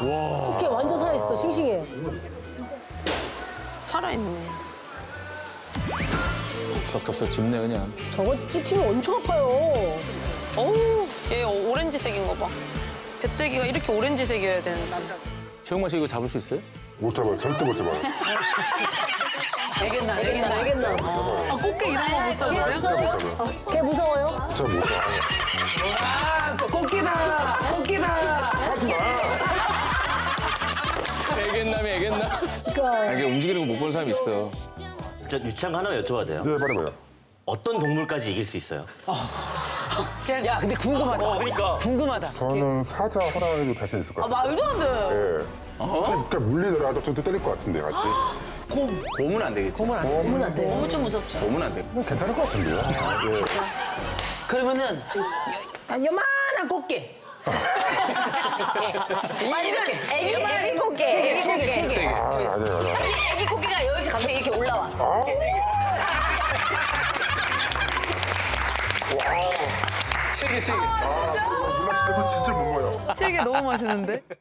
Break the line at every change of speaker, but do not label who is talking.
코끼리 완전 살아있어, 싱싱해.
살아있네.
덥석덥석 짚네 그냥.
저거 찝히면 엄청 아파요.
어우, 얘 오렌지색인 거 봐. 배때기가 이렇게 오렌지색이어야 되는데.
최영만 씨 이거 잡을 수 있어요?
못 잡아요. 절대 못 잡아요.
알겠나.
알겠나?
아, 꽃게 이런 거 못 잡아요?
못 잡아요.
걔 무서워요?
진짜 못 잡아요.
애견남.
그러니까.
이게 움직이는 거 못 보는 사람이 있어.
저 유치한 거 하나만 여쭤봐도 돼요?
네, 말해봐요.
어떤 동물까지 이길 수 있어요?
야, 근데 궁금하다.
그러니까.
궁금하다.
저는 사자 호랑이도 자신 있을 것 같아요.
말도 안 돼.
예. 그러니까 물리더라도 저도 때릴 것 같은데 같이.
곰은 안 되겠지.
곰은 안 돼.
너무 좀 무섭죠.
곰은 안 돼.
뭐 괜찮을 것 같은데요. 예.
그러면은 요만한 꽃게.
이렇게 애기 꽃게.
체계.
아, 아니에요.
애기 꽃게가 여기서 갑자기 이렇게 올라와.
치기.
몰라, 진짜 그거 진짜 못 먹어요.
되게 너무 맛있는데?